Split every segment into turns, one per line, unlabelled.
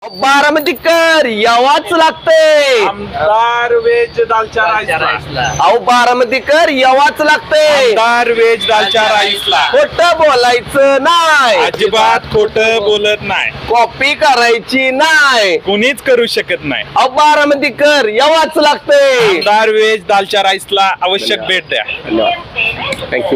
बारामतीकर यावाच लागतंय.
आमदार व्हेज दालच्या राईसला.
अहो बारामतीकर यावाच लागतंय.
आमदार व्हेज दालच्या राईसला.
खोटं बोलायचं नाही,
अजिबात खोटं बोलत नाही,
कॉपी करायची नाही,
कुणीच करू शकत नाही.
अहो बारामतीकर यावाच लागतंय.
आमदार व्हेज दालच्या राईसला आवश्यक भेट द्या.
थँक्यू.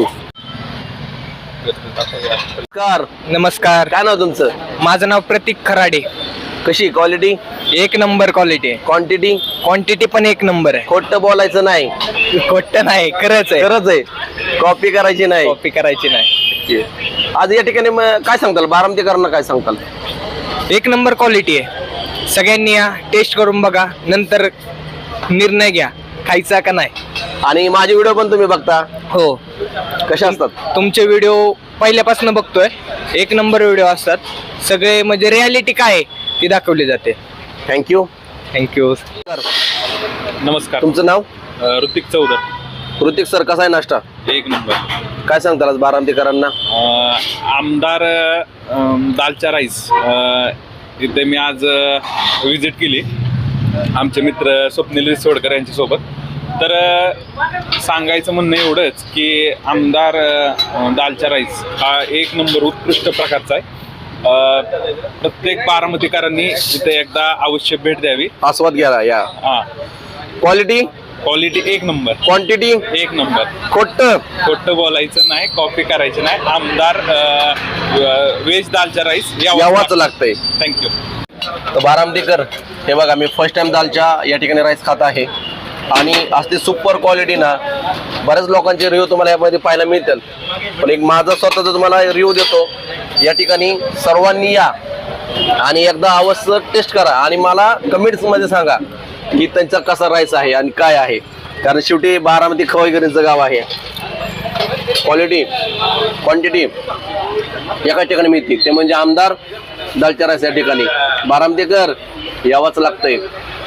नमस्कार.
काय नाव तुमचं?
माझं नाव प्रतीक खराडे.
कशी क्वालिटी,
एक नंबर क्वालिटी आहे.
क्वांटिटी?
क्वांटिटी पण एक नंबर आहे.
खोटं बोलायचं नाही,
खोटं नाही, खरंच आहे.
खरंच आहे, कॉपी करायची नाही.
कॉपी करायची नाही.
आज या ठिकाणी काय सांगताल बारामतीकरांना, काय सांगताल?
एक नंबर क्वालिटी आहे. सगळ्यांनी या टेस्ट करून बघा, नंतर निर्णय घ्या खायचा का नाही.
आणि माझे व्हिडिओ पण तुम्ही बघता?
हो.
कसे असतात
तुमचे व्हिडिओ पहिल्यापासून बघतोय. एक नंबर व्हिडिओ असतात सगळे, म्हणजे रियालिटी काय आहे ती दाखवली जाते.
थँक्यू.
थँक्यू.
नमस्कार.
तुमचं नाव?
ऋतिक चौधरी.
ऋतिक सर, कसा आहे नाश्ता?
एक नंबर.
काय सांगताल आज बारामतीकरांना?
आमदार दालच्या राईस इथे मी आज विजिट केली आमचे मित्र स्वप्नील रिसोडकर यांच्यासोबत. तर सांगायचं म्हणणं एवढंच की आमदार दालच्या राईस हा एक नंबर उत्कृष्ट प्रकारचा आहे. प्रत्येक बारामतीकरांनी इथे एकदा अवश्य भेट द्यावी,
आस्वाद घ्या या.
हा.
क्वालिटी?
क्वालिटी एक नंबर,
क्वांटिटी
एक नंबर.
खोटं
बोलायचं नाही, कॉपी करायचं नाही. आमदार व्हेज दालच्या राईस
यावाच लागतंय.
थँक्यू.
तर बारामतीकर, हे बघा मी फर्स्ट टाइम दालच्या या ठिकाणी राईस खात आहे आणि असते सुपर क्वालिटी ना. बऱ्याच लोकांचे रिव्ह्यू तुम्हाला यामध्ये पाहायला मिळतील, पण एक माझा स्वतःचा तुम्हाला रिव्ह्यू देतो. या ठिकाणी सर्वांनी या आणि एकदा अवश्य टेस्ट करा आणि मला कमेंट्समध्ये सांगा की त्यांचा कसा राईस आहे आणि काय आहे, कारण शेवटी बारामती खवईकरांचं गाव आहे. क्वालिटी, क्वांटिटी एका ठिकाणी मिळते, ते म्हणजे आमदार दालच्या राईस. या ठिकाणी बारामतीकर यावाच लागतंय.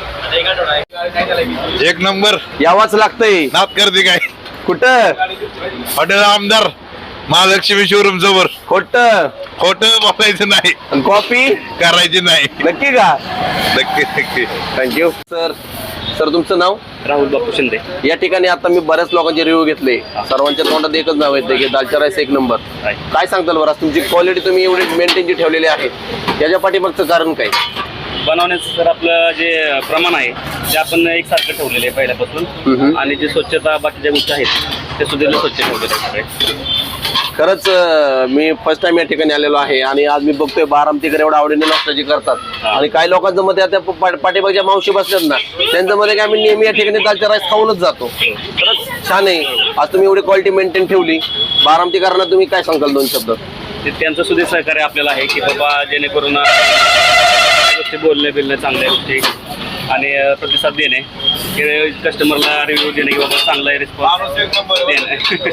एक नंबर
यावाच लागतंय.
नात करते काय?
कुठं?
हॉटेल आमदार महालक्ष्मी शोरूम जवळ.
खोटं
बोलायचं नाही,
कॉपी
करायची नाही.
नक्की का?
नक्की.
थँक्यू. सर तुमचं नाव?
राहुल बापू शिंदे.
या ठिकाणी आता मी बऱ्याच लोकांचे रिव्ह्यू घेतले, सर्वांच्या तोंडात एकच नाव येते की दालच्या राईस एक नंबर. काय सांगताल बरं, तुमची क्वालिटी तुम्ही एवढी मेंटेन जी ठेवलेली आहे याच्या पाठीमागचं कारण काय?
बनवण्याचं सर आपलं जे प्रमाण आहे ते आपण एकसारखं ठेवलेलं आहे पहिल्यापासून, आणि जी स्वच्छता बाकीच्या गोष्टी आहेत ते सुद्धा स्वच्छ ठेवलेले आहेत.
खरंच मी फर्स्ट टाइम या ठिकाणी आलेलो आहे आणि आज मी बघतोय बारामतीकर एवढं आवडीने नाश्ताची करतात. आणि काही लोकांचं मध्ये त्या पाठीमागच्या मावशी बसल्यात ना, त्यांचं मध्ये की आम्ही नेहमी या ठिकाणी दालच्या राईस खाऊनच जातो. खरंच छान आहे. आज तुम्ही एवढी क्वालिटी मेंटेन ठेवली. बारामतीकरांना तुम्ही काय सांगाल दोन शब्द?
ते त्यांचं सुद्धा सहकार्य आपल्याला आहे की बाबा जेणेकरून गोष्टी बोलणे चांगल्या गोष्टी आणि प्रतिसाद देणे, कस्टमरला रिव्ह्यू देणे की बाबा चांगला रिस्पॉन्स देणे.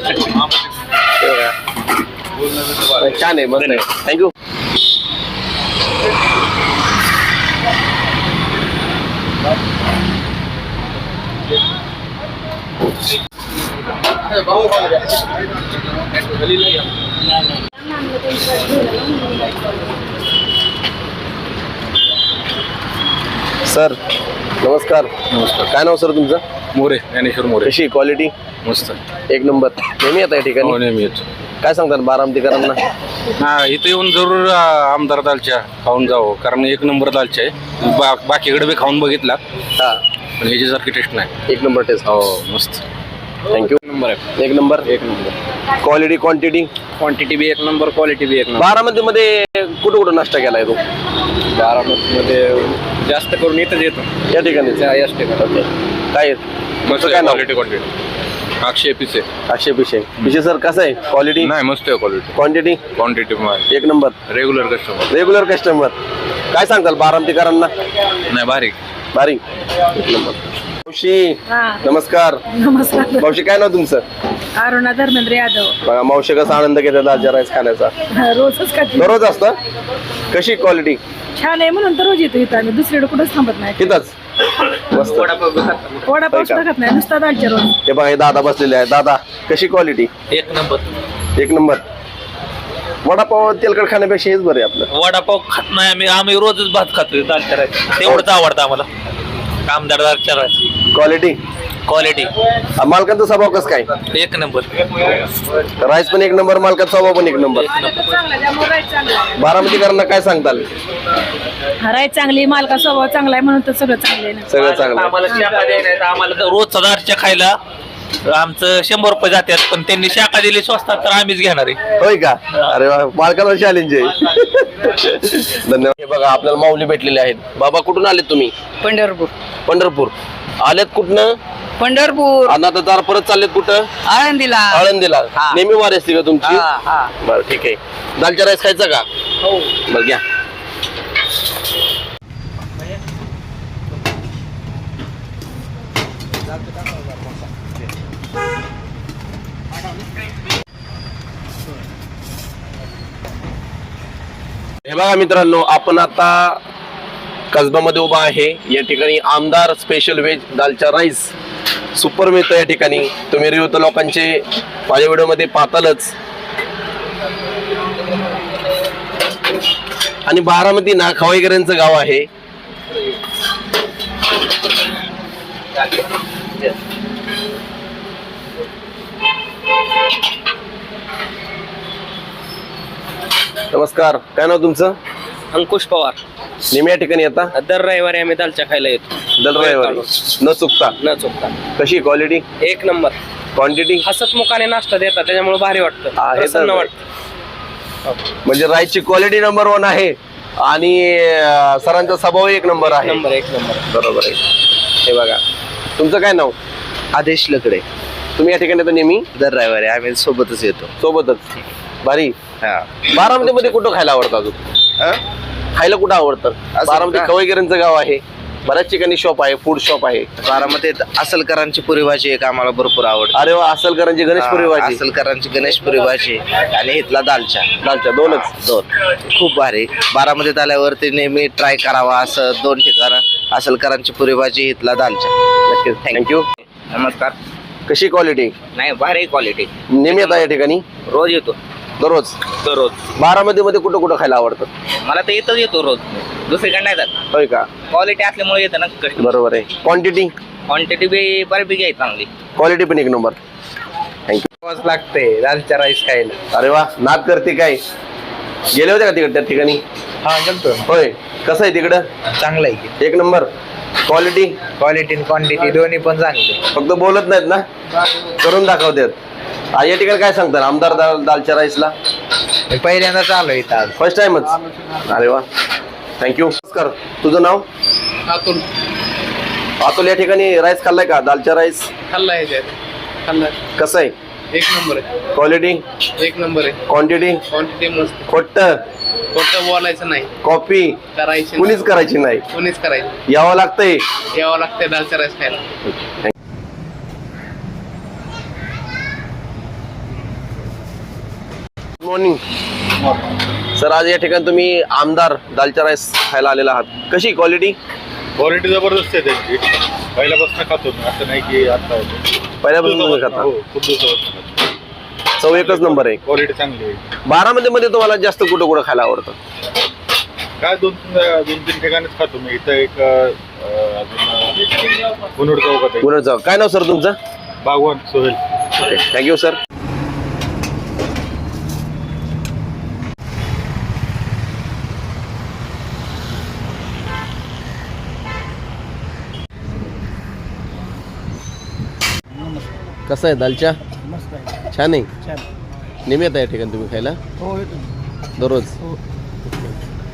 छान आहे, मस्त आहे. थँक्यू. सर नमस्कार. काय नाव सर तुमचं?
मोरे, ज्ञानेश्वर मोरे.
कशी क्वालिटी?
मस्त,
एक नंबर. नेहमी येत या ठिकाणी?
नेहमी येतो.
काय सांगतात बारामतीकरांना?
हा, इथे येऊन जरूर आमदार दालच्या खाऊन जावं, कारण एक नंबर दालच्या आहे. बाकीकडे बी खाऊन बघितला,
हा,
पण ह्याच्यासारखी टेस्ट नाही.
एक नंबर टेस्ट.
हो, मस्त.
थँक्यू.
नंबर आहे.
एक नंबर.
एक नंबर.
Quality, quantity?
क्वांटिटी बी एक नंबर, क्वालिटी बी एक नंबर.
बारामतीमध्ये कुठं नाश्ता केलाय तू?
बारामतीमध्ये जास्त करून इथंच येतो,
या ठिकाणी.
याच ठिकाणी.
काय
मस्त
काय नाव?
क्वालिटी. 800
800 पिशे सर कसं आहे क्वालिटी?
नाही, मस्त आहे क्वालिटी.
क्वांटिटी?
क्वांटिटी
एक number.
Regular customer.
Regular customer. काय सांगताल बारामतीकरांना?
नाही, भारी.
एक नंबर. मावशी नमस्कार.
नमस्कार.
मावशी काय नाव तुमचं?
अरुणा धर्मेंद्र यादव.
बघा मावशी कसा आनंद घेतात दालच्या राईस खाण्याचा.
रोजच खाते.
दररोज असतं? कशी क्वालिटी?
छान आहे म्हणून तर रोज येतो इथं आम्ही, दुसरीकडे कुठंच थांबत नाही.
तिथंच मस्त.
वडापाव सुद्धा खात नाही, नुसता दालच्या रोज.
हे बघा हे दादा बसलेले आहे. दादा कशी क्वालिटी?
एक नंबर.
एक नंबर. वडापाव तेलकट खाण्यापेक्षा हेच बरं आहे आपलं.
वडापाव खात नाही आम्ही रोजच भात खातोय दालच्या राईस तेवढंच आवडतं आम्हाला आमदार दालच्या राईस
क्वालिटी
क्वालिटी
मालकांचा स्वभाव कसं काय?
एक नंबर
राईस पण एक नंबर, मालकाचा स्वभाव पण एक नंबर.
चांगला त्यामुळे राईस चांगला आहे.
बारामतीकरांना काय सांगताल?
राईस चांगली, मालका स्वभाव चांगला आहे म्हणून तर सगळं चांगलं आहे ना.
सगळं चांगलं आहे.
आम्हाला शाखा द्यायला आम्हाला तर रोजचा दालच्या खायला आमचं 100 रुपये जातात पण त्यांनी शाखा दिली स्वस्तात तर आम्हीच घेणार आहे.
होय का? अरे वा, मालकाला चॅलेंज आहे. धन्यवाद. हे बघा आपल्याला माऊली भेटलेले आहेत. बाबा कुठून आलेत तुम्ही?
पंढरपूर
पंढरपूर. आलेत कुठनं?
पंढरपूर
आणि आता जरा परत चाललेत कुठं?
आळंदीला
आळंदीला.
हा.
नेहमी वारी असते का तुमची?
हा, हा.
बरं ठीक आहे. दालचा राईस खायचा का?
हो.
बरं घ्या. हे बघा मित्रांनो, आपण आता कसबामध्ये उभा आहे. या ठिकाणी आमदार special veg dalcha rice super मिळतं या ठिकाणी. तुम्ही रिव्ह्यू तर लोकांचे माझ्या व्हिडिओमध्ये पाहतालच. आणि बारामती ना खवाईकरांचं गाव आहे. नमस्कार, काय नाव तुमचं?
अंकुश पवार.
नेहमी या ठिकाणी येता?
दर रविवारी आम्ही दालच्या खायला येतो
दर रविवारी न चुकता.
न चुकता.
कशी क्वालिटी,
एक नंबर.
क्वांटिटी?
हसतमुखाने नाश्ता देतात त्याच्यामुळे भारी वाटतं,
हा, हे तर
प्रसन्न
आहे.
वाटतं.
म्हणजे राईसची क्वालिटी नंबर 1 आहे आणि सरांचा स्वभाव एक नंबर आहे.
एक नंबर.
बरोबर आहे. हे बघा, तुमचं काय नाव?
आदेश लकडे.
तुम्ही या ठिकाणी तर नेहमी
दर रविवारी आम्ही सोबतच येतो.
सोबतच. भारी.
हा.
बारामतीमध्ये कुठं खायला आवडतं अजून?
हा?
खायला कुठं आवडतं? बारामती
का?
खवईकरांचं गाव आहे. बऱ्याच ठिकाणी शॉप आहे, फूड शॉप आहे.
बारामतीत असलकरांची पुरी भाजी एक आम्हाला भरपूर आवडते.
अरे वा, असलकरांची गणेशपुरी भाजी.
असलकरांची गणेशपुरी भाजी आणि इथला दालचा.
दालचा दोनच.
दोन खूप भारी. बारामतीत आल्यावरती नेहमी ट्राय करावा असं 2 ठिकाणं. असलकरांची पुरी भाजी, इथला दालचा.
नक्कीच. थँक्यू.
नमस्कार.
कशी क्वालिटी?
नाही, भारी क्वालिटी.
नेहमी येता या ठिकाणी?
रोज येतो.
दररोज.
दररोज
बारामतीमध्ये कुठं कुठं खायला आवडतं?
मला तर इथंच येतो रोज, दुसरीकडे नाही जात.
होय का?
क्वालिटी असल्यामुळे येतं ना कस्टमर.
बरोबर आहे. क्वांटिटी?
क्वांटिटी बी बऱ्यापैकी आहे चांगली.
क्वालिटी पण एक नंबर. थँक्यू.
लागते दालच्या राईस खायला.
अरे वा, नाद करते काय? गेले होते का तिकडे त्या ठिकाणी?
हा गेलतो.
होय. कसं आहे तिकडं?
चांगलं आहे.
एक नंबर. क्वालिटी?
क्वालिटी क्वांटिटी दोन्ही पण चांगली.
फक्त बोलत नाहीत ना, करून दाखवतात. या ठिकाणी काय सांगतात आमदार दालच्या राईसला?
पहिल्यांदा चालू आहे इथं आज.
फर्स्ट टाइमच. अरे वा, थँक्यू. नमस्कार, तुझं नाव?
अतुल.
अतुल, या ठिकाणी राईस खाल्लाय का? दालच्या राईस
खाल्लाय खाल्लाय.
कसं आहे?
एक नंबर आहे.
क्वालिटी?
एक नंबर आहे.
क्वांटिटी?
क्वांटिटी मस्त.
खोट्ट
खोटं बोलायचं नाही,
कॉपी
करायची
कुणीच करायची नाही.
कोणीच करायचं.
यावं लागतंय.
यावं लागतंय दालच्या राईस खायला.
मॉर्निंग सर, आज या ठिकाणी तुम्ही आमदार दालचा राईस खायला आलेला आहात. कशी क्वालिटी?
क्वालिटी जबरदस्त आहे त्यांची. पहिल्यापासून खातो मी, असं नाही की आता होतो.
पहिल्यापासून तुम्ही खाता?
हो, खूप दिवसापासून खातो.
चव एकच नंबर आहे.
क्वालिटी चांगली आहे.
बारामतीमध्ये तुम्हाला जास्त कुठं कुठं खायला आवडतं?
काय 2-3 ठिकाणीच खातो मी. इथं एक अजून गुन्होड चौकात आहे.
गुन्ह्याचं काय नाव सर तुमचं?
Bagwan Sohail.
Okay, thank you sir. कसं आहे दालच्या? छान आहे. नेहमी येता या ठिकाणी तुम्ही खायला?
हो येतो.
दररोज?